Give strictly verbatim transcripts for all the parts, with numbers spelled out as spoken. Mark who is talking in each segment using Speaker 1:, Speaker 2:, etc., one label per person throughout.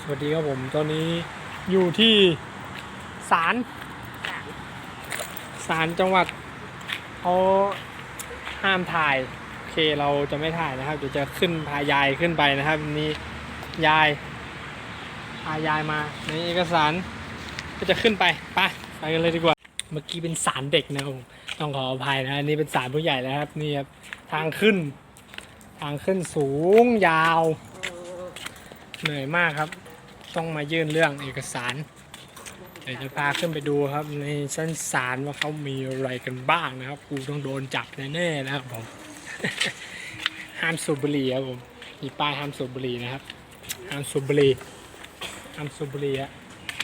Speaker 1: สวัสดีครับผมตอนนี้อยู่ที่ศาลศาลจังหวัดเขาห้ามถ่ายโอเคเราจะไม่ถ่ายนะครับเดี๋ยวจะขึ้นพายายขึ้นไปนะครับนี่ยายพายายมาในเอกสารก็จะขึ้นไปไปไปกันเลยดีกว่าเมื่อกี้เป็นศาลเด็กนะครับผมต้องขออภัยนะนี่เป็นศาลผู้ใหญ่แล้วครับนี่ครับทางขึ้นทางขึ้นสูงยาวเหนื่อยมากครับต้องมายื่นเรื่องเอกสารเดี๋ยวจะพาขึ้นไปดูครับในชั้นศาลว่าเขามีอะไรกันบ้างนะครับกูต้องโดนจับแน่ๆนะครับผม ห้ามสูบบุหรี่ครับผมมีป้ายห้ามสูบบุหรี่นะครับห้ามสูบบุหรี่ห้ามสูบบุหรี่อะ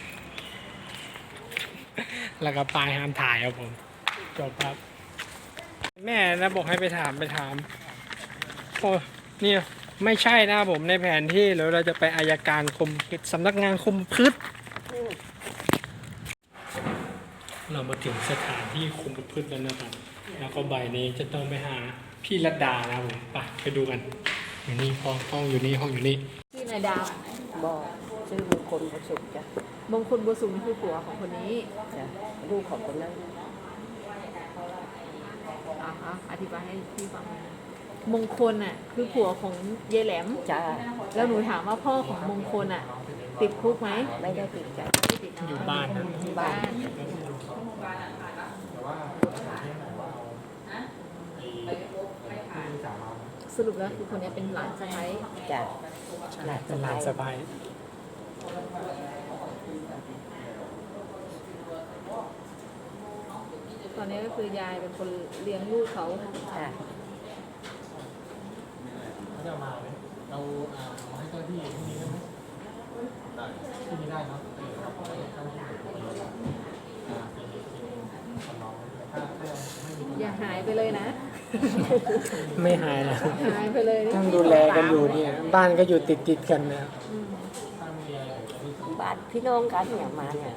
Speaker 1: แล้วก็ป้ายห้ามถ่ายครับผมจบครับแม่นะบอกให้ไปถามไปถามโอ้เนี่ยไม่ใช่นะครับผมในแผนที่แล้วเราจะไปอัยการคมสำนักงานคมพืชเรามาถึงสถานที่คุมประพฤติแล้วนะครับแล้วก็ใบนี้จะต้องไปหาพี่รัตดานะครับผมไปไปดูกันอยู่นี่ห้องห้องอยู่นี่ห้องอยู่นี่
Speaker 2: ชื่อนายดาว
Speaker 3: บอกชื่อมงคลประสุขจ้ะ
Speaker 2: มงคลบัวสูงคือผัวของคนนี้
Speaker 3: จ้ะลูกของคนนั้น
Speaker 2: อ่าฮะอธิบายให้พี่ฟังหน่อยนะมงคลอ่ะคือผัวของเยายแหลม
Speaker 3: จ้า
Speaker 2: แล้วหนูถามว่าพ่อของมงคลอ่ะ ติดคุกไหม
Speaker 3: ไม่ได้ติดจ้ะ
Speaker 2: ไม่ติด
Speaker 1: อยู่บ้านนะ
Speaker 2: อยู่บ้าน สรุปแล้วคือคนนี้เป็นหลานสะใภ้
Speaker 3: จ้ะ
Speaker 1: เป็นหลานสะใภ้
Speaker 2: ตอนนี้ก็คือยายเป็นคนเลี้ยงลูกเขา
Speaker 3: จ้ะ
Speaker 1: เขาจะมาเลยเราเอาให้เจ้าที่ที่นี่ได้ไหมได้ที่นี่ได้เนาะครับเจ้าที่
Speaker 2: อย่าหายไปเลยนะ
Speaker 1: ไม่หายแล้ว
Speaker 2: หายไปเลย
Speaker 1: ต้องดูแลกันอยู่เนี่ยบ้านก็อยู่ติดติดกันนะ
Speaker 2: อืม
Speaker 3: บ้านพี่น้องกันเนี่ยมาเนี่ย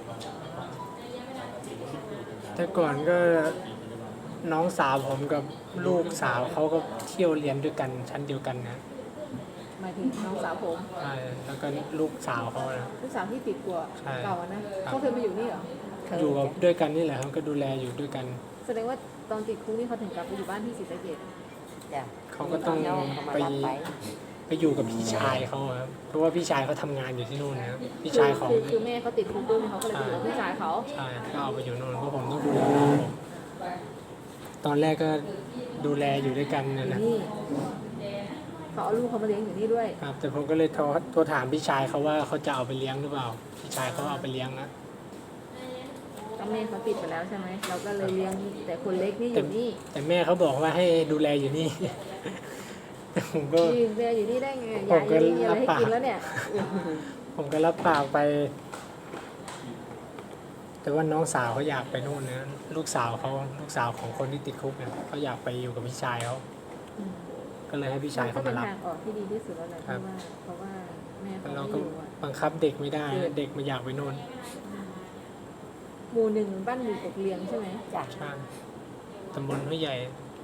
Speaker 1: แต่ก่อนก็น้องสาวผมกับลูกสาวเขาก็เที่ยวเรียนด้วยกันชั้นเดียวกันนะ
Speaker 2: หมายถึงน้องสาวผม
Speaker 1: ใช่แล้วก็ลูกสาวเขานะ
Speaker 2: ลูกสาวที่ติดกลัว
Speaker 1: ใช่
Speaker 2: เก่าอะนะเขาเคยมาอยู่นี่เหรอ
Speaker 1: อยู่กับด้วยกันนี่แหละครับก็ดูแลอยู่ด้วยกัน
Speaker 2: แสดงว่าตอนติดคุกนี่เขาถึงกลับไปอยู่บ้านที่ศรีสะเกษ
Speaker 3: จ้ะ
Speaker 1: เขาก็ต้อง
Speaker 3: น้องเขามา
Speaker 1: ไป
Speaker 3: รับไป
Speaker 1: ไปอยู่กับพี่ชายเขาครับเพราะว่าพี่ชายเขาทำงานอยู่ที่นู่นนะครับพี่ชายของ
Speaker 2: คือคือแม่เขาติดคุกด้วยเขาก็เลยไปอยู่กับพี่ชายเขา
Speaker 1: ใช่ก็เอาไปอยู่นู่นเพราะผมต้องดูแลน้องผมตอนแรกก็ดูแลอยู่ด้วยกัน
Speaker 2: อ
Speaker 1: นั่น
Speaker 2: ยู่
Speaker 1: แหละ
Speaker 2: นี่เขาเอาลูกเขามาเลี้ยงอยู่นี่ด้วย
Speaker 1: ครับแต่ผมก็เลยโทรโทรถามพี่ชายเขาว่าเขาจะเอาไปเลี้ยงหรือเปล่าพี่ชายเขาเอาไปเลี้ยงนะ
Speaker 2: ก็แม่เขาติดไปแล้วใช่ไหมเราก็เลยเลี้ยงแต่คนเล็กนี่อยู่นี่
Speaker 1: แต่แม่เขาบอกว่าให้ดูแลอยู่นี่ แต่ผมก็
Speaker 2: ยืนเรียอยู่นี่ได้ไง
Speaker 1: ผ
Speaker 2: ยาม ย
Speaker 1: ก็
Speaker 2: ยังมีอะไรให้
Speaker 1: รับปาก
Speaker 2: กินแล้วเนี่ย
Speaker 1: ผมก็รับปากไป แต่ว่าน้องสาวเขาอยากไปนู่นนะลูกสาวเขาลูกสาวของคนที่ติดคุกเนี่ยเขาอยากไปอยู่กับพี่ชายเขาก็เลยให้พี่ชาย
Speaker 2: ก็
Speaker 1: เขา
Speaker 2: เป็
Speaker 1: มาน รับ
Speaker 2: ทางออกที่ดีที่สุดแล้วแหละเพ
Speaker 1: ครั
Speaker 2: ราะ
Speaker 1: บ
Speaker 2: ว่าเพราะว่าแม่เขา
Speaker 1: เรา
Speaker 2: ไม่
Speaker 1: ก็
Speaker 2: อยู่อะ
Speaker 1: บังคับเด็กไม่ได้นะเด็กมันอยากไปนู่น
Speaker 2: หมู่หนึ่งบ้านหมู่กกเลียงใช่ไหม
Speaker 3: จ้ะ
Speaker 1: ใช่ตำบลห้วยใหญ่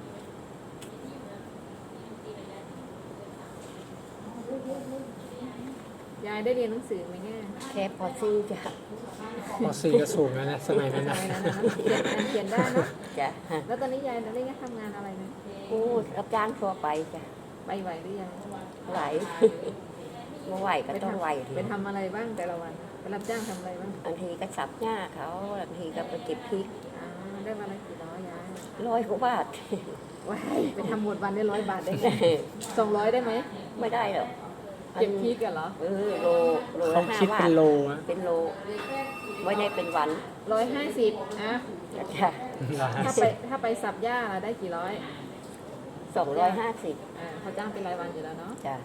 Speaker 2: ยายได้เรียนหนังสือไหมเนี่ย
Speaker 3: แค่พอซื้อจ้ะ
Speaker 1: พอสี่ก็สูงแล้วนะสมัยนั้น
Speaker 2: ส
Speaker 1: นะ
Speaker 2: มัยนั้นนะเขียนอ่านเขียนได้เนอะ
Speaker 3: จ้ะ
Speaker 2: แล้วตอนนี้ยายได้ทำงานอะไรนะ
Speaker 3: กูรับจ้างทั่วไปจ้ะ
Speaker 2: ไปไหวหรือยัง
Speaker 3: ไหว เมื่อไหวก็ต้องไหวที
Speaker 2: ไปทำอะไรบ้างแต่ละวันไปรับจ้างทำอะไรบ้าง
Speaker 3: บางทีก็สับหญ้าเขาบางทีก็ไปเก็บพริก
Speaker 2: อ่าได้วันละกี่ร้อยยาย
Speaker 3: ร้อยกว่าบาท
Speaker 2: ว้ายไปทำหมดวันได้ร้อยบาทได้ไงสองร้อยได้ไหม
Speaker 3: ไม่ได้หรอก
Speaker 2: เก็บพริกกันเหรอ
Speaker 3: เออโลโล
Speaker 1: เขา
Speaker 3: ละห้า
Speaker 1: คิด
Speaker 3: บา
Speaker 1: เป็
Speaker 3: ท
Speaker 1: นโลอะ
Speaker 3: เป็นโลไว้ในเป็นวัน
Speaker 2: ร้อยห้าสิบอ่ะ
Speaker 3: จ้ะ
Speaker 2: ถ้าไปถ้าไปสับหญ้าได้กี่ร้อย
Speaker 3: สองร้อยห้าสิบ
Speaker 2: อ่าเขาจ้างเป็นรายวันอยู่แล้วเนาะ
Speaker 3: จ้ะ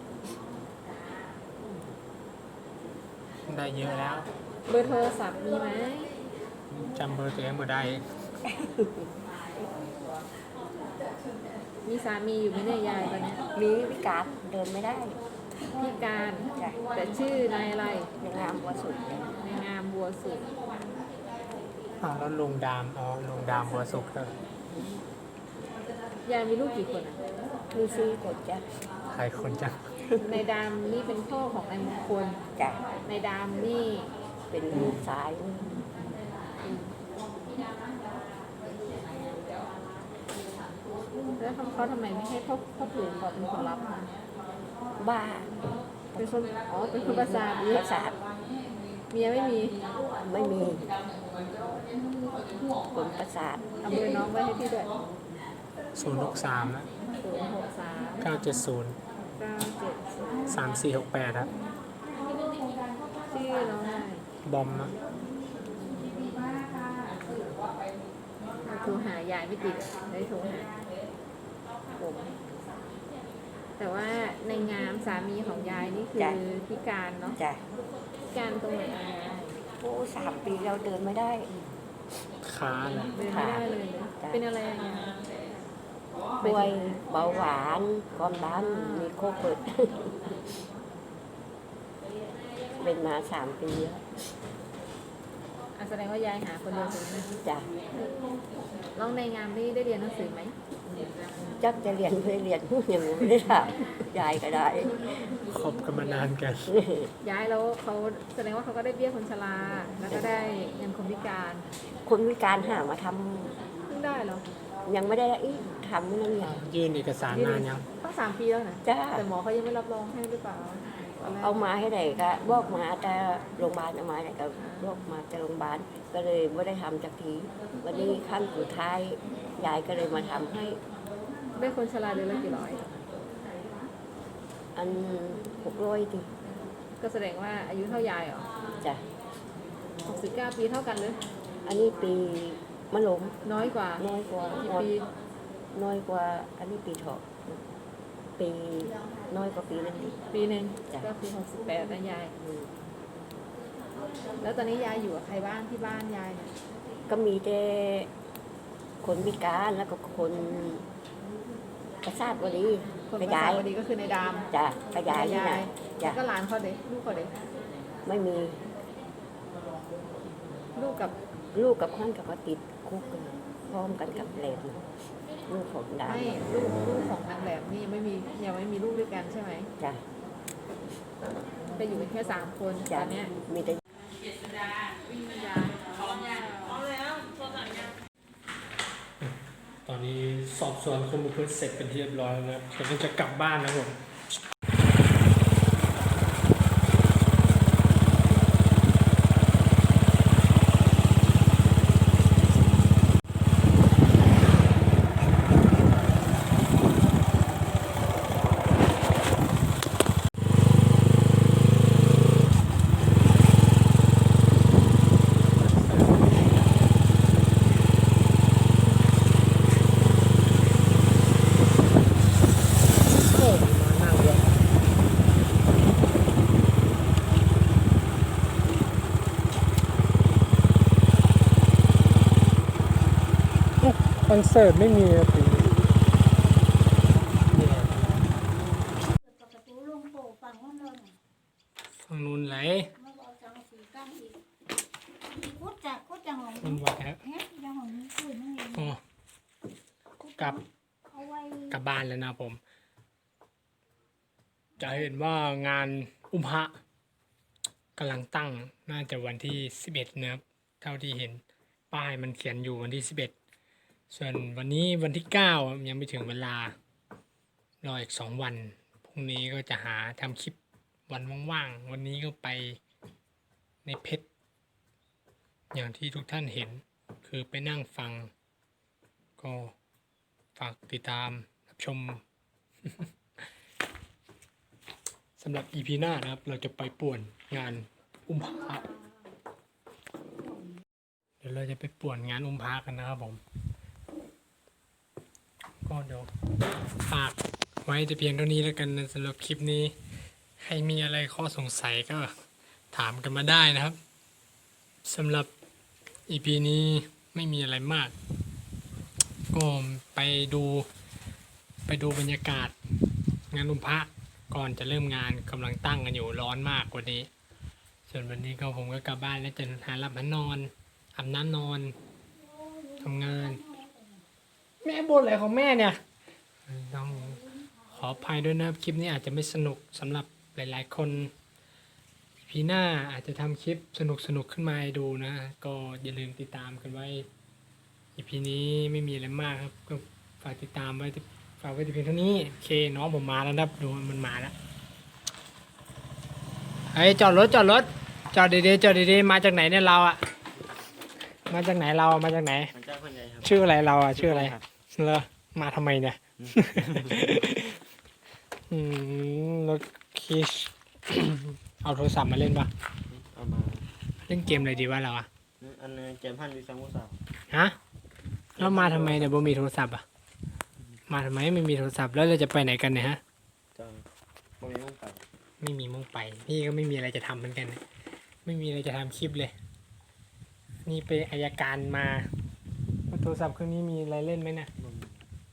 Speaker 1: ได้เยอะแล้ว
Speaker 2: เบอร์โทรศัพท์มีไหม
Speaker 1: จำเบอร์ตัวเองไม่ได้
Speaker 2: มีสามีอยู่ไหมเนี่ยยายตอนเนี้ย
Speaker 3: มีวิการเดินไม่ได้
Speaker 2: พิการ
Speaker 3: จ้ะ
Speaker 2: แต่ชื่อนายอะไร
Speaker 3: ในงามวัวสุดเนี่ย
Speaker 2: นายงามบัวสุด
Speaker 1: อ้าวแล้วลุงดามอ๋อลุงดามบัวสุกครับ
Speaker 2: ยายมีลูกกี่คนอ่ะ
Speaker 3: มีซีกดจ้ะ
Speaker 1: ใครคนจัง
Speaker 3: จ
Speaker 2: ในดามนี่เป็นพ่อของนายมงคล
Speaker 3: จ้ะ
Speaker 2: ในดามนี่
Speaker 3: เป็นลูกสาย
Speaker 2: แล้วเขาเขาทำไมไม่ให้พ่อพ่อปู่เขาเป็นคนรับมา
Speaker 3: บ้า
Speaker 2: เป็นคนอ๋อเป็นคนประสาทอีก
Speaker 3: ประสาท
Speaker 2: เมียไม่มี
Speaker 3: ไม่มีคนประสาท
Speaker 2: เอาเบอร์น้องไว้ให้พี่ด้วย
Speaker 1: ศูนย์หกสามนะ
Speaker 2: ศูนย์หกสาม
Speaker 1: เก้าเจ็ดศูนย์
Speaker 2: เก้าเจ็ดศูนย์
Speaker 1: สามสี่หกแปดครับ
Speaker 2: ชื่อน้องอะไร
Speaker 1: บอมนะ
Speaker 2: โทรหายายไม่ติดได้โทรหาผมแต่ว่าในงามสามีของยายนี่คือพิการเนาะ
Speaker 3: จ้ะ
Speaker 2: พิการตรงไหนอะยาย
Speaker 3: โอ้สามปีเราเดินไม่ได้
Speaker 1: ขาเลย
Speaker 2: เดินไม่ได้เลยนะ
Speaker 3: จ้ะ
Speaker 2: เป็นอะไรอะยาย
Speaker 3: ป่วยเบาหวานความดันมีโควิด เป็นมาสามปีแล้ว
Speaker 2: อ่ะแสดงว่ายายหาคนเดียวเลยนะ
Speaker 3: จ้ะ
Speaker 2: น้องในงามนี่ได้เรียนหนังสือไหม
Speaker 3: จักจะเรียนไม่เรียนยังไม่ได้ถามยายก็ได้
Speaker 1: คบกันมานานกัน
Speaker 2: ย้ายแล้วเขาแสดงว่าเขาก็ได้เบี้ยคนชราแล้วก็ได้เงินคนพิการ
Speaker 3: คนวิการหามาท
Speaker 2: เพิ่งได้เหรอ
Speaker 3: ำยังไม่ได้อีกทำนั่นเนี่ย
Speaker 1: ยื่นเอกสารนานยัง
Speaker 2: ตั้งสามปีแล้วนะ
Speaker 3: จ้า
Speaker 2: แต่หมอเขายังไม่รับรองให้หรือเปล่าตนแรก
Speaker 3: เอามาให้ไหนก็บอกมาแต่โรงพยาบาลเอามาไหนก็บอกมาจากโรงพยาบาลก็เลยไม่ได้ทำจากทีวันนี้ขั้นสุดท้ายยายก็เลยมาทำให้
Speaker 2: ได้คนชราเดือนละกี่ร้อย
Speaker 3: อันหกร้อยที
Speaker 2: ก็แสดงว่าอายุเท่ายายเหรอ
Speaker 3: จ้ะ
Speaker 2: หกสิบเก้าปีเท่ากันเลย
Speaker 3: อันนี้ปีมะลม
Speaker 2: น้อยกว่า
Speaker 3: น้อยกว่า
Speaker 2: กี่
Speaker 3: น้อย
Speaker 2: ปี
Speaker 3: น้อยกว่า อันนี้ปีเถาะปีน้อยกว่าปีนั้นอีก
Speaker 2: ปีหนึ่ง
Speaker 3: จ้ะ
Speaker 2: ก็คือหกสิบแปดนะยาย
Speaker 3: อืม
Speaker 2: แล้วตอนนี้ยายอยู่กับใครบ้างที่บ้านยายเนี่ย
Speaker 3: ก็มีแต่คนพิการแล้วก็คนประสาทวันนี้
Speaker 2: คน
Speaker 3: ก
Speaker 2: ประ ระ
Speaker 3: ยา
Speaker 2: สาย ทวันนี้ก็คือในดาม
Speaker 3: จ้ะกระยายนี่
Speaker 2: ยา
Speaker 3: นะ
Speaker 2: ย
Speaker 3: จ้ะ
Speaker 2: แล้วก็หลานเขาเด็กลูกเขาเด็ก
Speaker 3: ไม่มี
Speaker 2: ลูกกับ
Speaker 3: ลูกกับข้อนกับก็ติดคุกกันพร้อมกันกับแหลมลูกของดา
Speaker 2: ไม่ลูกลูกของนางแหลมนี่ยังไม่มียังไม่มีลูกด้วยกันใช่ไหม
Speaker 3: จ้ะ
Speaker 2: จะอยู่กันแค่สามคนต
Speaker 3: จ้ะ
Speaker 2: อนเนี้ย
Speaker 3: มีแต่
Speaker 1: ตอนนี้สอบสวนคนบุคคลเสร็จเป็นที่เรียบร้อยแล้วนะครับเราก็จะกลับบ้านนะครับผม โอ้มานั่งเลยโอ้คอนเสิร์ตไม่มีนะปีนี้เนี่ย
Speaker 4: กับประตูลงโป่ฝั่งห้องนอน
Speaker 1: ฝั่งนู้นไหล
Speaker 4: มาบอกจังสีกั้นอีกคุดจากคุดจากของ
Speaker 1: มันวัดครับ
Speaker 4: เฮ้ยจากของนี้คุยนั่นเอง
Speaker 1: โอ้กลับ
Speaker 4: เอาไว้
Speaker 1: กลับบ้านแล้วนะผม จะเห็นว่างานอุมพะกำลังตั้งน่าจะวันที่สิบเอ็ดนะครับเท่าที่เห็นป้ายมันเขียนอยู่วันที่สิบเอ็ดส่วนวันนี้วันที่เก้ายังไม่ถึงเวลารออีกสองวันพรุ่งนี้ก็จะหาทำคลิปวันว่างๆวันนี้ก็ไปในเพชรอย่างที่ทุกท่านเห็นคือไปนั่งฟัง ก็ฝากติดตามรับชม สำหรับ อี พี หน้านะครับ เราจะไปป่วนงานอุ้มพระเดี๋ยวเราจะไปป่วนงานอุ้มพระกันนะครับผม ก็เดี๋ยวฝากไว้แต่เพียงเท่านี้แล้วกันนะสำหรับคลิปนี้ ใครมีอะไรข้อสงสัยก็ถามกันมาได้นะครับสำหรับ อี พี นี้ไม่มีอะไรมาก ก็ไปดูไปดูบรรยากาศงานอุ้มพระก่อนจะเริ่มงานกำลังตั้งกันอยู่ร้อนมากกว่านี้ ส่วนวันนี้ก็ผมก็กลับบ้านแล้วจะหาหลับหานอนอาบน้ำนอนทำงาน แม่บ่นอะไรของแม่เนี่ยต้องขอออภัยด้วยนะครับคลิปนี้อาจจะไม่สนุกสำหรับหลายๆคนพีหน้าอาจจะทำคลิปสนุกๆขึ้นมาให้ดูนะ ก็อย่าลืมติดตามกันไว้ อี พี นี้ไม่มีอะไรมากครับก็ฝากติดตามไว้ฝากไว้ที่เพียงเท่านี้โอเคน้องผมมาแล้วนะครับดูมันมาแล้วเฮ้ยจอดรถจอดรถจอดดีๆจอดดีๆมาจากไหนเนี่ยเราอะมาจากไหนเรามาจากไหน
Speaker 5: มันเจ้าคนใหญ่ครับ
Speaker 1: ชื่ออะไรเราอะชื่ออะไร
Speaker 5: ครับ
Speaker 1: เหรอมาทำไมเนี่ย อืมรถคิช เอาโทรศัพท์มาเล่นปะ
Speaker 5: เอามา
Speaker 1: เล่นเกมอะไรดีวะเราอะ
Speaker 5: อันนี้เกมพันวิสังวุสาว
Speaker 1: ฮะแล้วมาทำไมเนี่ยบ่มีโทรศัพท์อะมาทำไมไม่มีโทรศัพท์แล้วเราจะไปไหนกันเนี่ยฮะ
Speaker 5: จะบ่มีมุ่งไป
Speaker 1: ไม่มีมุ่งไปพี่ก็ไม่มีอะไรจะทำเหมือนกัน ไม่มีอะไรจะทำคลิปเลย นี่ไปอายการมาโทรศัพท์เครื่องนี้มีอะไรเล่นไหมเนี่ย
Speaker 5: บ่มี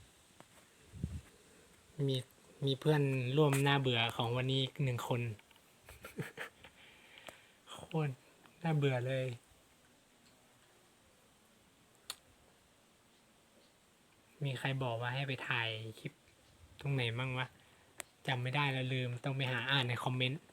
Speaker 1: มีมีเพื่อนร่วมหน้าเบื่อของวันนี้หนึ่งคน โคตรน่าเบื่อเลย มีใครบอกว่าให้ไปถ่ายคลิปตรงไหนมั่งวะจำไม่ได้แล้วลืมต้องไปหาอ่านในคอมเมนต์